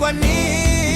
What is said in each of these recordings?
ว่านี้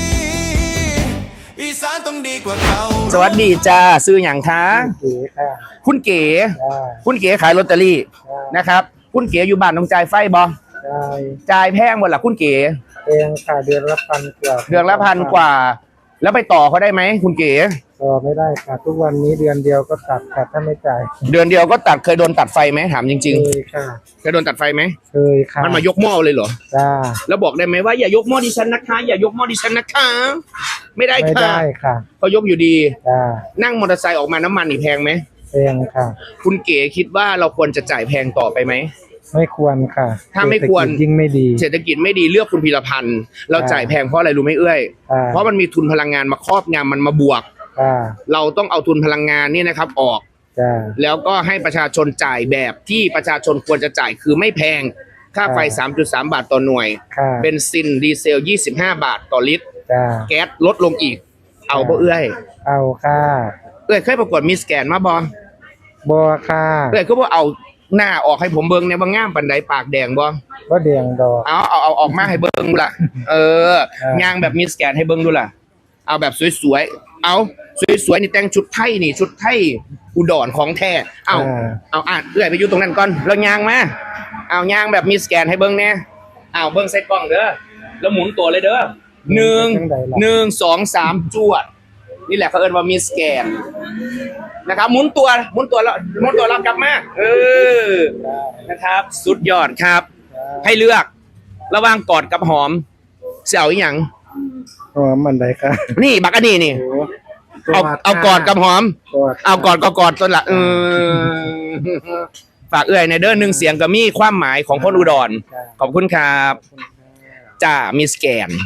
อีสานต้องดีกว่าเขาสวัสดีจ้าซื้ออย่างคะเก๋ค่ะคุณเก๋ได้คุณเก๋ขายลอตเตอรี่นะครับคุณเก๋อยู่บ้านต้องจ่ายไฟบ่ได้จ่ายแพงหมดล่ะคุณเก๋เองค่ะเดือนละพันกว่าเดือนละพันกว่า แล้วไปต่อเขาได้ไหมคุณเก๋ต่อไม่ได้ค่ะทุกวันนี้เดือนเดียวก็ตัดค่ะถ้าไม่จ่ายเดือนเดียวก็ตัดเคยโดนตัดไฟไหมถามจริงเคยค่ะๆเคยโดนตัดไฟไหมเคยค่ะมันมายกหม้อเลยเหรอจ้าแล้วบอกได้ไหมว่าอย่ายกหม้อดิฉันนะคะ อย่ายกหม้อดิฉันนะคะ ไม่ได้ไม่ค่ะได้ค่ะเขายกอยู่ดีจ้านั่งมอเตอร์ไซค์ออกมาน้ำมันนี่แพงไหมแพงค่ะคุณเก๋คิดว่าเราควรจะจ่ายแพงต่อไปไหมไม่ควรค่ะถ้าไม่ควรเศษฐกิจยิ่งไม่ดีเศรษฐกิจไม่ดีเลือกคุณพีรพันธ์เราจ่ายแพงเพราะอะไรรู้ไหมเอ้ยอ่าเพราะมันมีทุนพลังงานมาครอบงำมันมาบวกจ้าเราต้องเอาทุนพลังงานนี่นะครับออกจ้าแล้วก็ให้ประชาชนจ่ายแบบที่ประชาชนควรจะจ่ายคือไม่แพง ค่าไฟ 3.3 บาทต่อหน่วยค่ะเบนซินดีเซล 25 บาทต่อลิตรจ้าแก๊สลดลงอีก เอาบ่เอ้ยเอาค่ะเอ้ยเคยประกวดมิสแกนมาบ่บัวค่ะเอ้ยก็บ่เอาหน้าออกให้ผมเบิ่งเนี่ยบ่งามปานใดปากแดงบ่ก็เดียงดอกเอาออกมาให้เบิ่งดูล่ะ เออย่างแบบมิสแกนให้เบิ่งดูล่ะ เอาแบบสวยๆ เอาสวยๆนี่แต่งชุดไทยนี่ชุดไทยอุดรของแท้เอาเอื้อยไปอยู่ตรงนั้นก่อนแล้วย่างมาเอาย่างแบบมิสแกนให้เบิ่งแน่เอาเบิ่งใส่กล้องเด้อแล้วหมุนตัวเลยเด้อ1 2 3จวดนี่แหละเขาเอิ้นว่ามิสแกนนะครับหมุนตัวแล้วกลับมานะครับ สุดยอดครับ ให้เลือกระหว่างกอดกับหอมเสี่ยวอีหยังอ๋อมันใดค่ะนี่บักอันนี้นี่โอ้เอากอดกับหอมกอดเอากอดก็กอดตัวละฝากเอื้อยในเด้อหนึ่งเสียงก็มีความหมายของคนอุดร ขอบคุณครับจ้ามิสแกน